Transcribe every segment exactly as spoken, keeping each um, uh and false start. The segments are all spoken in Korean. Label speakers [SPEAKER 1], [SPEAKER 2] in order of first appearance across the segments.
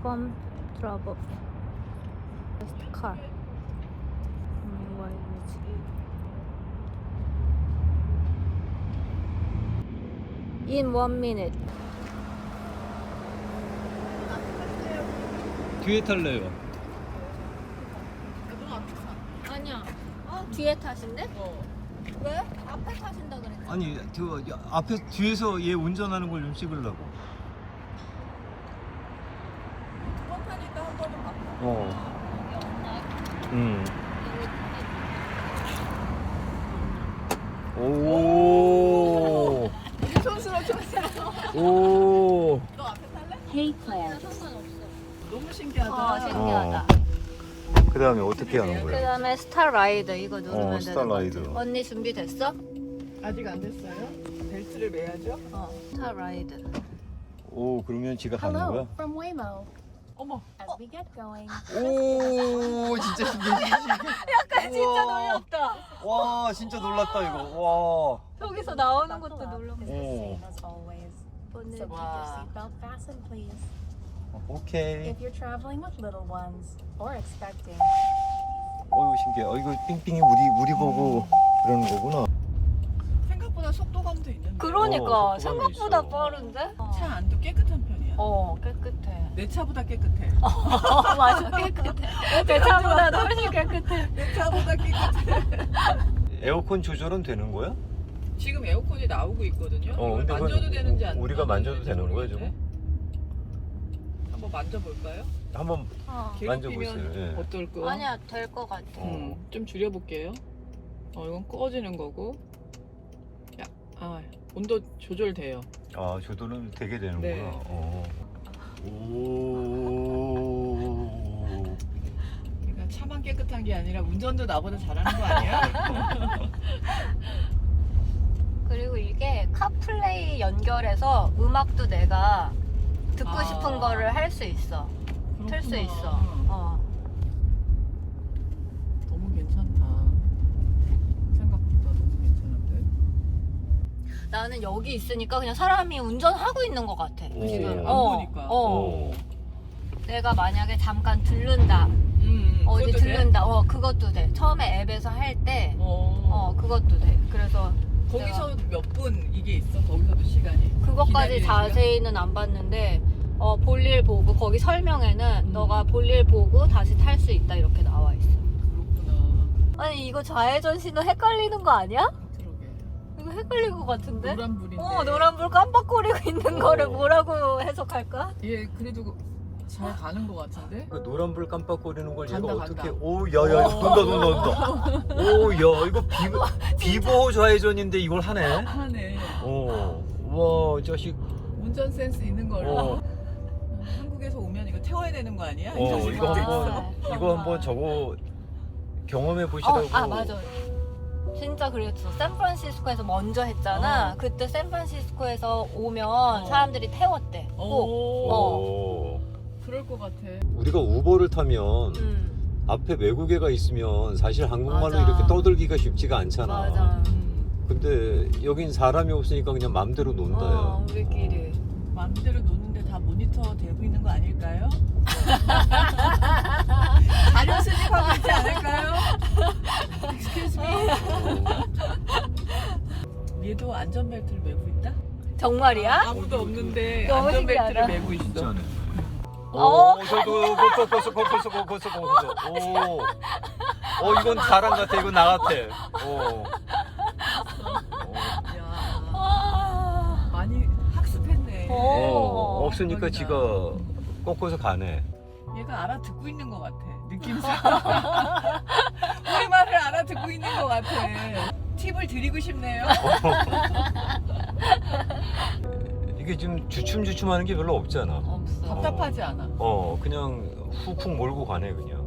[SPEAKER 1] from trouble. Just car. 음, 와 이거지. In one minute.
[SPEAKER 2] 뒤에 탈래요.
[SPEAKER 1] 아니야. 어? 뒤에 타신대? 어. 왜? 앞에 타신다 그랬지.
[SPEAKER 2] 아니 그 앞에 뒤에서 얘 운전하는 걸 좀 찍으려고.
[SPEAKER 3] 두번 타니까 한 번은 바꿔.
[SPEAKER 2] 어. 음. 오.
[SPEAKER 3] 촌스러워 촌스러워.
[SPEAKER 2] 오.
[SPEAKER 3] 너 앞에 탈래?
[SPEAKER 1] Hey Claire. 상관없어.
[SPEAKER 3] 너무 신기하다.
[SPEAKER 1] 어, 신기하다.
[SPEAKER 2] 그 다음에 어떻게 하는
[SPEAKER 1] 그
[SPEAKER 2] 거야?
[SPEAKER 1] 다음에 스타라이드 이거 누르면
[SPEAKER 2] 어,
[SPEAKER 1] 되는
[SPEAKER 2] 스타라이드.
[SPEAKER 1] 거지. 언니 준비됐어?
[SPEAKER 3] 아직 안 됐어요? 벨트를 매야죠?
[SPEAKER 1] 어. 스타라이드.
[SPEAKER 2] 오, 그러면 지가 가는 거야?
[SPEAKER 4] Hello from Waymo.
[SPEAKER 3] 어머.
[SPEAKER 4] As we get going,
[SPEAKER 2] 오, 진짜 신기해.
[SPEAKER 1] 약간 진짜 놀랍다.
[SPEAKER 2] 와, 진짜 놀랐다 이거.
[SPEAKER 1] 여기서 나오는
[SPEAKER 4] buckle
[SPEAKER 1] 것도
[SPEAKER 4] up
[SPEAKER 1] 놀랍다.
[SPEAKER 4] is the
[SPEAKER 2] Oh.
[SPEAKER 4] same as always.
[SPEAKER 1] 오늘
[SPEAKER 4] So keep your
[SPEAKER 3] Wow.
[SPEAKER 4] seatbelt fastened, please.
[SPEAKER 2] 와. 오케이.
[SPEAKER 4] If you're traveling with little ones or expecting,
[SPEAKER 2] 어이구 신기해. 어, 이거 삥삥이 우리 우리 보고 그러는 거구나.
[SPEAKER 3] 생각보다 속도감도 있는데.
[SPEAKER 1] 그러니까
[SPEAKER 2] 어, 속도감이
[SPEAKER 1] 생각보다
[SPEAKER 2] 있어.
[SPEAKER 1] 빠른데? 어,
[SPEAKER 3] 차 안도 깨끗한 편이야.
[SPEAKER 1] 어 깨끗해.
[SPEAKER 3] 내 차보다 깨끗해.
[SPEAKER 1] 어 맞아 깨끗해. 내 차보다도 훨씬 깨끗해.
[SPEAKER 3] 내 차보다 깨끗해.
[SPEAKER 2] 에어컨 조절은 되는 거야?
[SPEAKER 3] 지금 에어컨이 나오고 있거든요.
[SPEAKER 2] 어,
[SPEAKER 3] 이걸
[SPEAKER 2] 근데 그건
[SPEAKER 3] 만져도 되는지 안
[SPEAKER 2] 우리가 만져도 되는 거야,
[SPEAKER 3] 모르겠는데. 한번 만져볼까요?
[SPEAKER 2] 한번
[SPEAKER 1] 어.
[SPEAKER 2] 만져보세요,
[SPEAKER 3] 괴롭히면
[SPEAKER 2] 예.
[SPEAKER 3] 어떨 거?
[SPEAKER 1] 아니야 될 것 같아.
[SPEAKER 3] 음, 좀 줄여볼게요. 어, 이건 꺼지는 거고. 야, 아, 온도 조절돼요.
[SPEAKER 2] 아, 조절은 되게 되는구나.
[SPEAKER 3] 네.
[SPEAKER 2] 어. 오.
[SPEAKER 3] 그러니까 차만 깨끗한 게 아니라 운전도 나보다 잘하는 거 아니야?
[SPEAKER 1] 그리고 이게 카플레이 연결해서 음악도 내가 듣고
[SPEAKER 3] 아.
[SPEAKER 1] 싶은 거를 할 수 있어. 틀 수
[SPEAKER 3] 그렇구나.
[SPEAKER 1] 있어. 어.
[SPEAKER 3] 너무 괜찮다. 생각보다 너무 괜찮은데?
[SPEAKER 1] 나는 여기 있으니까 그냥 사람이 운전하고 있는 것 같아.
[SPEAKER 2] 오.
[SPEAKER 1] 지금.
[SPEAKER 2] 안
[SPEAKER 1] 어,
[SPEAKER 3] 보니까.
[SPEAKER 1] 어.
[SPEAKER 2] 오.
[SPEAKER 1] 내가 만약에 잠깐 들른다.
[SPEAKER 3] 음,
[SPEAKER 1] 어디
[SPEAKER 3] 그것도 돼?
[SPEAKER 1] 들른다. 어, 그것도 돼. 처음에 앱에서 할 때.
[SPEAKER 3] 어.
[SPEAKER 1] 어, 그것도 돼. 그래서
[SPEAKER 3] 거기서 몇 분 이게 있어? 거기서도 시간이?
[SPEAKER 1] 그것까지
[SPEAKER 3] 기다리는
[SPEAKER 1] 자세히는 안 봤는데 어, 볼일 보고 거기 설명에는
[SPEAKER 3] 음.
[SPEAKER 1] 너가 볼일 보고 다시 탈 수 있다 이렇게 나와 있어.
[SPEAKER 3] 시간? 그렇구나.
[SPEAKER 1] 아니 이거 좌회전 신호 헷갈리는 거 아니야?
[SPEAKER 3] 그러게.
[SPEAKER 1] 이거 헷갈릴 것 같은데?
[SPEAKER 3] 노란불인데.
[SPEAKER 1] 어 노란불 깜빡거리고 있는
[SPEAKER 2] 어.
[SPEAKER 1] 거를 뭐라고 해석할까?
[SPEAKER 3] 얘 그래도 잘 가는 거 같은데?
[SPEAKER 2] 그 노란불 깜빡거리는 걸 얘가
[SPEAKER 3] 간다,
[SPEAKER 2] 어떻게?
[SPEAKER 3] 간다.
[SPEAKER 2] 오, 야야, 돈다, 돈다, 돈다. 오, 야, 이거 비보 비보 좌회전인데 이걸 하네.
[SPEAKER 3] 하네.
[SPEAKER 2] 오, 와, 이 자식.
[SPEAKER 3] 운전 센스 있는 걸로.
[SPEAKER 2] 어,
[SPEAKER 3] 한국에서 오면 이거 태워야 되는 거 아니야?
[SPEAKER 2] 어,
[SPEAKER 3] 이
[SPEAKER 2] 이거
[SPEAKER 3] 자식.
[SPEAKER 2] 한번 이거 한번 저거 경험해 보시라고.
[SPEAKER 1] 어, 아 맞아. 진짜 그랬어. 샌프란시스코에서 먼저 했잖아.
[SPEAKER 3] 어.
[SPEAKER 1] 그때 샌프란시스코에서 오면 사람들이 태웠대. 꼭.
[SPEAKER 3] 오.
[SPEAKER 1] 어.
[SPEAKER 2] 오.
[SPEAKER 3] 그럴 것 같아.
[SPEAKER 2] 우리가 우버를 타면
[SPEAKER 1] 음,
[SPEAKER 2] 앞에 외국애가 있으면 사실 한국말로
[SPEAKER 1] 맞아.
[SPEAKER 2] 이렇게 떠들기가 쉽지가 않잖아.
[SPEAKER 1] 맞아.
[SPEAKER 3] 음.
[SPEAKER 2] 근데 여긴 사람이 없으니까 그냥 맘대로 논다요.
[SPEAKER 1] 어, 우리끼리.
[SPEAKER 3] 마음대로 노는데 다 모니터 되고 있는 거 아닐까요? 자료 수집하고 있지 않을까요? Excuse me. 얘도 안전벨트를 매고 있다?
[SPEAKER 1] 정말이야?
[SPEAKER 3] 아무도 없는데
[SPEAKER 1] 너무
[SPEAKER 3] 안전벨트를
[SPEAKER 1] 신기하다.
[SPEAKER 3] 매고 있어.
[SPEAKER 2] 진짜네.
[SPEAKER 1] 어?
[SPEAKER 2] 오, 저도 거기서 거기서 거기서 거기서 거기서. 오, 어 이건 사람 같아. 이건 나 같아. 오.
[SPEAKER 3] 야,
[SPEAKER 1] 아.
[SPEAKER 3] 많이 학습했네.
[SPEAKER 1] 어.
[SPEAKER 2] 어, 없으니까
[SPEAKER 3] 대박이다.
[SPEAKER 2] 지가 꺾어서 가네.
[SPEAKER 3] 얘가 알아듣고 있는 것 같아. 느낌상. 우리 말을 알아듣고 있는 것 같아. 팁을 드리고 싶네요.
[SPEAKER 2] 이게 지금 주춤주춤하는 게 별로 없잖아.
[SPEAKER 1] 없어.
[SPEAKER 3] 답답하지 않아.
[SPEAKER 2] 어, 그냥 훅훅 몰고 가네 그냥.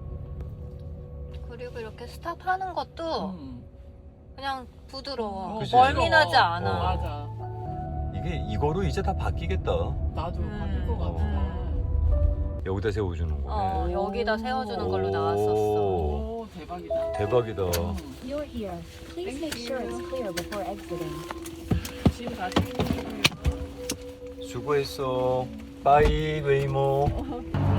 [SPEAKER 1] 그리고 이렇게 스탑하는 것도
[SPEAKER 3] 음.
[SPEAKER 1] 그냥 부드러워.
[SPEAKER 2] 그치?
[SPEAKER 1] 멀미나지 않아.
[SPEAKER 2] 어.
[SPEAKER 3] 맞아.
[SPEAKER 2] 이게 이거로 이제 다 바뀌겠다.
[SPEAKER 3] 나도
[SPEAKER 1] 음.
[SPEAKER 3] 바뀔 것 같아.
[SPEAKER 1] 음.
[SPEAKER 2] 여기다 세워주는 거네.
[SPEAKER 1] 어, 여기다 세워주는 걸로
[SPEAKER 2] 오.
[SPEAKER 1] 나왔었어.
[SPEAKER 3] 오, 대박이다.
[SPEAKER 2] 대박이다.
[SPEAKER 3] 음.
[SPEAKER 4] you're here. Please make sure it's clear before exiting.
[SPEAKER 3] 지금 다 챙기고
[SPEAKER 2] 수고했어. 바이 웨이모.